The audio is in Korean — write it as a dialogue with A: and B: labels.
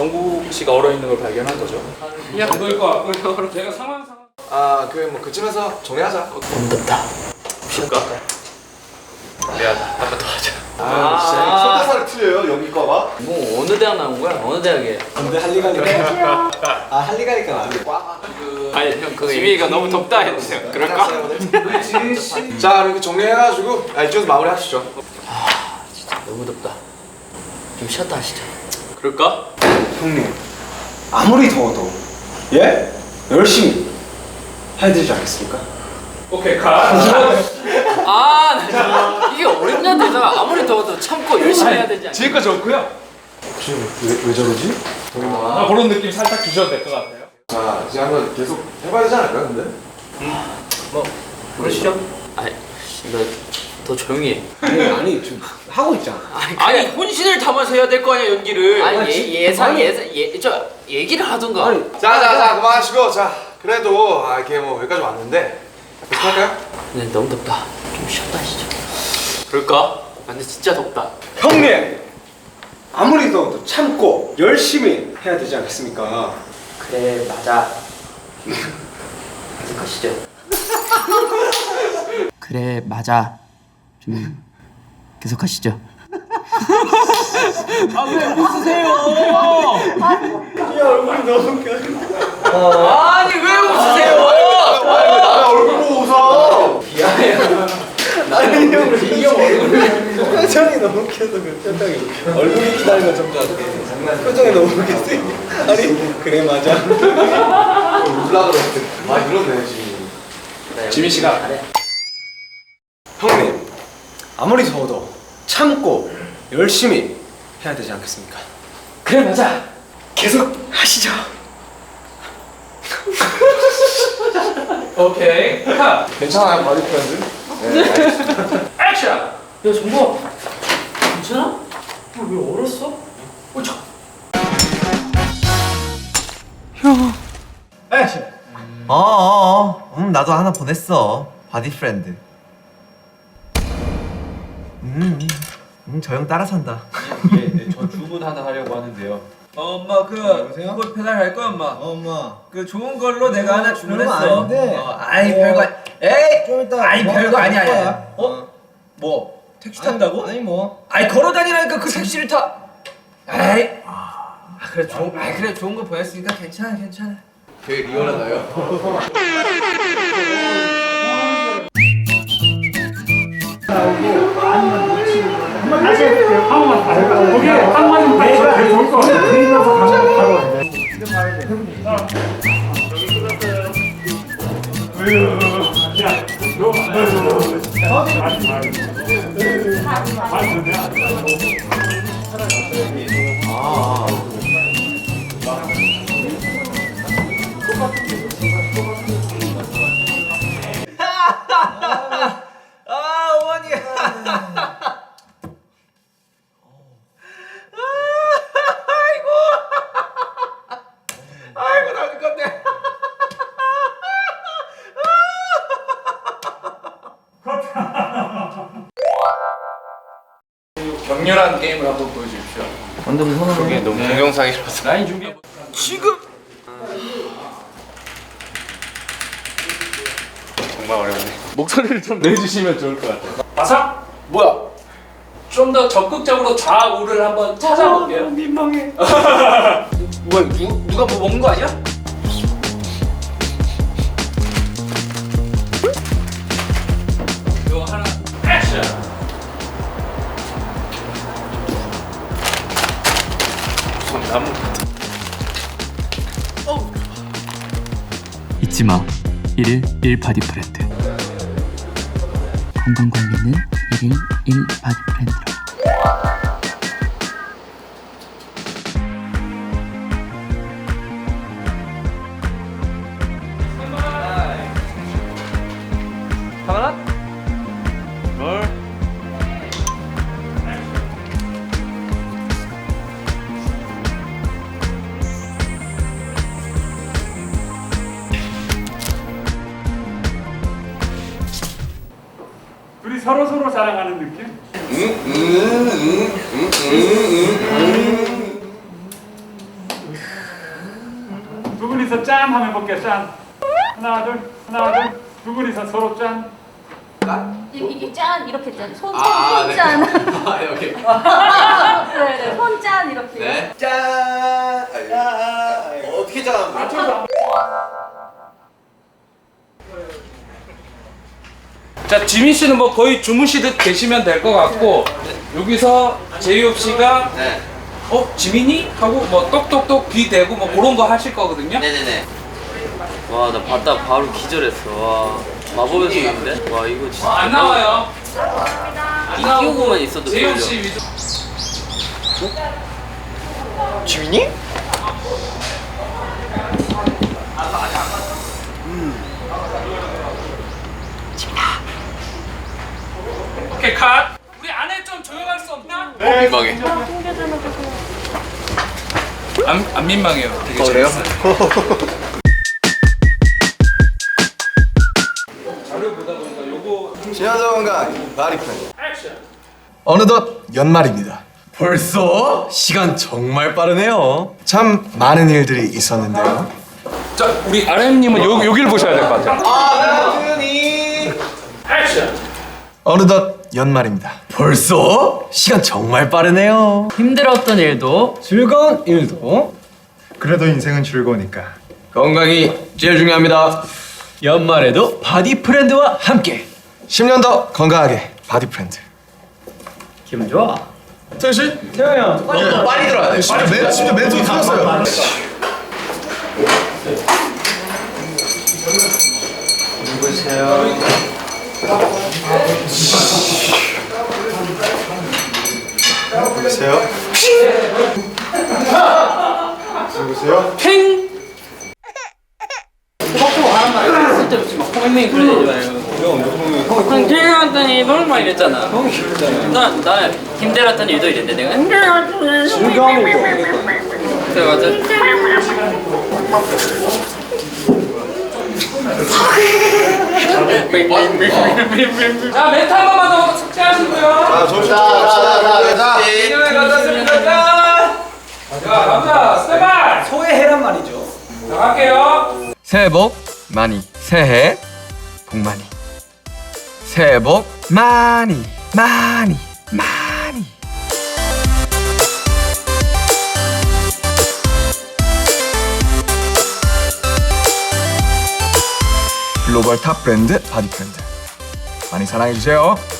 A: 정국 씨가 얼어 있는 걸 발견한 거죠.
B: 야, 너일 거 같고 제가 상황.
C: 아, 뭐 그쯤에서 정리하자.
A: 너무 덥다.
C: 쉽까?
A: 미안, 한 번 더 하자.
C: 진짜 속가사를 틀려요 여기 거가?
D: 뭐 어느 대학 나온 거야? 어느 대학에?
C: 근데 할리갈리가 할리갈리가 안 돼.
A: 아니 형 그거 지민이가 너무 덥다 했어요. 그럴까?
C: 자, 이렇게 정리해가지고 이쪽에서 마무리하시죠.
D: 진짜 너무 덥다. 좀 쉬었다 하시죠.
A: 그럴까?
E: 형님, 아무리 더워도 예? 열심히 해야 되지 않겠습니까?
B: 오케이 가.
D: 아, 나 진짜 이게 어렵냐 되잖아. 아무리 더워도 참고 열심히 해야 되지 않나?
B: 지금까지 좋고요.
E: 혹시 왜 저러지?
B: 그런 느낌 살짝 주셔도 될 것 같아요.
C: 자, 이제 한번 계속 해봐야 되지 않을까 근데?
D: 뭐 그러시죠? 아니, 너 더 조용히 해.
E: 아니 지금 하고 있잖아.
D: 아니 혼신을 담아서 해야 될 거 아니야 연기를. 아니 예상 얘기를 하던가.
E: 아니,
C: 자, 그만하시고 자, 그래도 이렇게 뭐 여기까지 왔는데 계속 할까요?
D: 근데 너무 덥다. 좀 쉬었다 하시죠. 그럴까? 아, 근데 진짜 덥다.
E: 형님, 아무리 더워도 참고 열심히 해야 되지 않겠습니까?
D: 그래 맞아. 계속 하시죠. 그래 맞아. 좀 계속 하시죠.
E: 야 얼굴이 너무 웃겨.
D: 아니 왜 웃으세요?
C: 나 얼굴 보고 웃어.
E: 아니 형 표정이 너무 웃겨서 그 표정이 얼굴이 기다린 것좀 같아. 표정이 너무 웃겼어요. 아니 그래 맞아.
C: 울라 그랬는데 많이 늘었네 지금.
A: 지민 씨가
E: 형님, 아무리 더워도 참고 열심히 해야 되지 않겠습니까?
B: 그래 맞아.
E: 계속 하시죠.
B: 오케이 가.
C: 괜찮아요 바디 프렌드?
B: 액션.
D: 야 정보 괜찮아? 왜 얼었어?
B: 액션.
F: 나도 하나 보냈어. 바디 프렌드. 저 형 따라 산다.
G: 저 주문 하나 하려고 하는데요. 엄마 그걸 배달할 거야 엄마.
F: 엄마.
G: 그 좋은 걸로 내가 하나 주문했어.
F: 아닌데.
G: 아이 별거 에이.
F: 좀 이따.
G: 아이 별거 아니야.
F: 거야.
G: 뭐 택시 탄다고?
F: 아니 뭐.
G: 아이 걸어 다니라니까 그 택시를 타. 아이. 그래 좋은 거 보냈으니까 괜찮아.
C: 되게 리얼하다요.
B: 다시 해볼게요. 한 번만 다 해봐. 거기 한 번만 다 해봐. 제일 좋을 것 같아. 들리면서 가면 바로 와. 이제 봐야 돼. 여기 끝났어요. 야,
G: 어머니. 아이고 나 죽겠네.
A: 격렬한 게임을 한번 보여주십시오.
D: 완전 무서워.
A: 그게 너무 동영상이라서.
B: 라인 준비해.
A: 지금 정말 어렵네. 목소리를 좀 내주시면 좋을 것 같아요.
B: 바삭. 뭐야? 좀 더 적극적으로 좌우를 한번 찾아볼게요. 민망해.
D: 뭐야 누가 뭐 먹는 거 아니야?
B: 이거 하나. 액션.
A: 나무.
H: 잊지 마. 1일 1 바디 프렌드. 건강 관리는 1일 1 바디 프렌드로.
B: 둘이 서로 자랑하는 느낌? 짠 하면 볼게요. 짠. 하나 둘. 두 분이서 서로 짠.
I: 이게 짠 이렇게 짠.
A: 네.
I: 손짠.
A: 오케이.
I: 네네. 손짠 이렇게.
A: 네.
E: 짠.
C: 어떻게 짠?
G: 자, 지민 씨는 뭐 거의 주무시듯 계시면 될 것 같고 여기서 제이홉 씨가
A: 네.
G: 지민이? 하고 뭐 똑똑똑 귀 대고 뭐 그런 거 하실 거거든요.
D: 네네네. 와, 나 봤다 바로 기절했어. 와, 마법의 손인데? 와, 이거 진짜.
G: 안 나와요.
D: 이 끼우고만 있어도
G: 제이홉
D: 들려.
G: 씨 위주.
C: 지민이?
G: 오케이, 컷. 우리 안에 좀 조용할 수 없나?
A: 민망해.
G: 안 민망해요. 되게
C: 그래요?
G: 자료 보다 보니까 요거
C: 지하정원과 바디프렌드.
G: 액션.
C: 어느덧 연말입니다.
F: 벌써? 시간 정말 빠르네요.
C: 참 많은 일들이 있었는데요.
G: 자, 우리 RM님은 여기를 보셔야 될 것 같아요. 액션.
C: 어느덧 연말입니다.
F: 벌써? 시간 정말 빠르네요.
D: 힘들었던 일도
F: 즐거운 일도
B: 그래도 인생은 즐거우니까.
F: 건강이 제일 중요합니다. 연말에도 바디 프렌드와 함께
C: 10년 더 건강하게 바디프렌드.
D: 기분 좋아.
C: 태현 씨? 태현 형. 빨리 들어야 돼. 진짜 멘트 틀렸어요. 누구세요? 누구세요?
D: 팽! 쓸데없이 막 팽팽 그러지 마요. 형 힘들었던 일도 막 이랬잖아. 형이 힘들잖아. 나 힘들었던 일도 이랬는데 내가 힘들었던 일도 즐거운 일도 그래 맞아.
G: 자, 멘트 한 번만 더 숙제하시고요.
C: 자, 정신 차려.
G: 인형에 갖다 씁니다. 짠! 자, 남자 스테반.
E: 소외해란 말이죠.
G: 자, 갈게요.
F: 새해 복 많이 새해 복 많이 새해 복 많이 많이 많이
C: 글로벌 탑 브랜드 바디프렌드. 많이 사랑해주세요.